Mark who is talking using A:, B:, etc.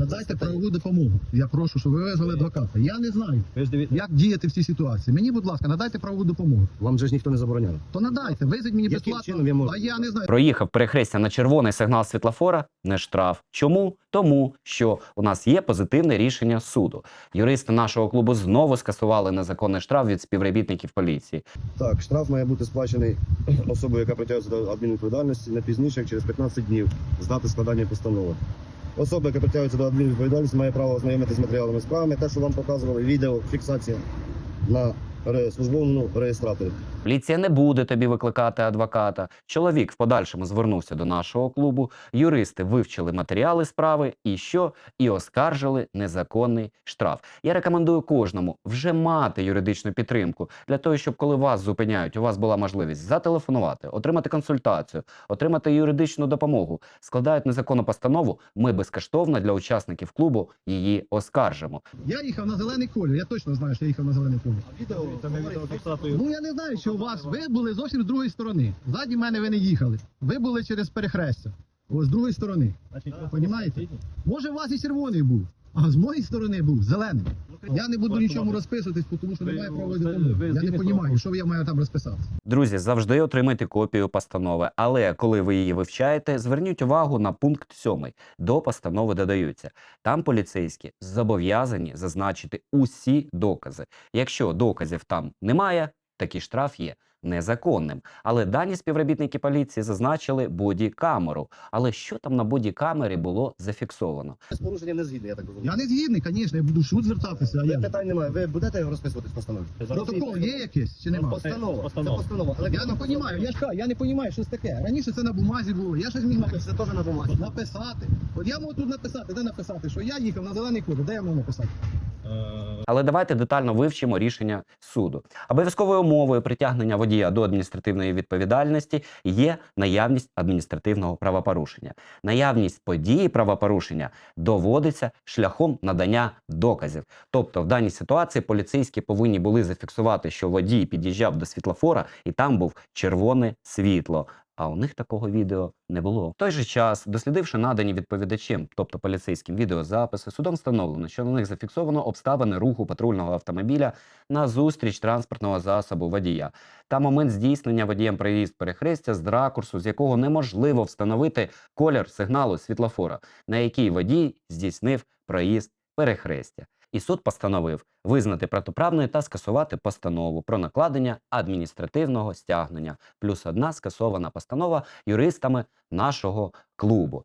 A: Надайте правову допомогу. Я прошу, щоб ви визвали адвоката. Я не знаю, як діяти в цій ситуації. Мені, будь ласка, надайте правову допомогу.
B: Вам же ж ніхто не забороняв.
A: То надайте, визвіть мені
B: Яким
A: безплатно.
B: чином я можу?
A: А я не знаю.
C: Проїхав перехрестя на червоний сигнал світлофора – не штраф. Чому? Тому, що у нас є позитивне рішення суду. Юристи нашого клубу знову скасували незаконний штраф від співробітників поліції.
B: Так, штраф має бути сплачений особою, яка притягується до адмінвідповідальності, не пізніше, як через 15 днів з дати складання постанови. Особа, яка притягується до адмінвідповідальності, має право ознайомитися з матеріалами справи, те, що вам показували, відео, фіксація на службовому реєстраторі.
C: Поліція не буде тобі викликати адвоката. Чоловік в подальшому звернувся до нашого клубу. Юристи вивчили матеріали справи і що? І оскаржили незаконний штраф. Я рекомендую кожному вже мати юридичну підтримку для того, щоб коли вас зупиняють, у вас була можливість зателефонувати, отримати консультацію, отримати юридичну допомогу. Складають незаконну постанову, ми безкоштовно для учасників клубу її оскаржимо.
A: Я їхав на зелений колір, я точно знаю, що я їхав на зелений колір. Ну я не знаю, що у вас, ви були зовсім з другої сторони. Ззаді мене ви не їхали. Ви були через перехрестя. Ось з другої сторони. Понімаєте? Може у вас і червоний був, а з моєї сторони був зелений. Я не буду нічому розписуватись, тому що немає правової допомоги. Я не розумію, що я маю там розписати.
C: Друзі, завжди отримайте копію постанови, але коли ви її вивчаєте, зверніть увагу на пункт 7. До постанови додаються. Там поліцейські зобов'язані зазначити усі докази. Якщо доказів там немає, такий штраф є незаконним. Але дані співробітники поліції зазначили боді-камеру. Але що там на боді-камері було зафіксовано?
B: З порушенням не згідний, я так розумію.
A: Я не згідний, звісно, я буду в суд звертатися, а я.
B: Питань немає. Ви будете його розписувати в постанові?
A: Протокол є якийсь чи немає?
B: Постанова. Це постанова. Але
A: Я не розумію, я ж кажу, я не розумію, що це таке. Раніше це на бумазі було, я щось міг написати.
B: Це теж на бумазі.
A: Написати. От я можу тут написати, де написати, що я їхав на зелений колір, де я можу написати?
C: Але давайте детально вивчимо рішення суду. Обов'язковою умовою притягнення водія до адміністративної відповідальності є наявність адміністративного правопорушення. Наявність події правопорушення доводиться шляхом надання доказів. Тобто в даній ситуації поліцейські повинні були зафіксувати, що водій під'їжджав до світлофора і там був червоне світло. А у них такого відео не було. В той же час, дослідивши надані відповідачем, тобто поліцейським відеозаписи, судом встановлено, що на них зафіксовано обставини руху патрульного автомобіля назустріч транспортного засобу водія та момент здійснення водієм проїзд перехрестя з ракурсу, з якого неможливо встановити колір сигналу світлофора, на який водій здійснив проїзд перехрестя. І суд постановив визнати протиправною та скасувати постанову про накладення адміністративного стягнення. Плюс одна скасована постанова юристами нашого клубу.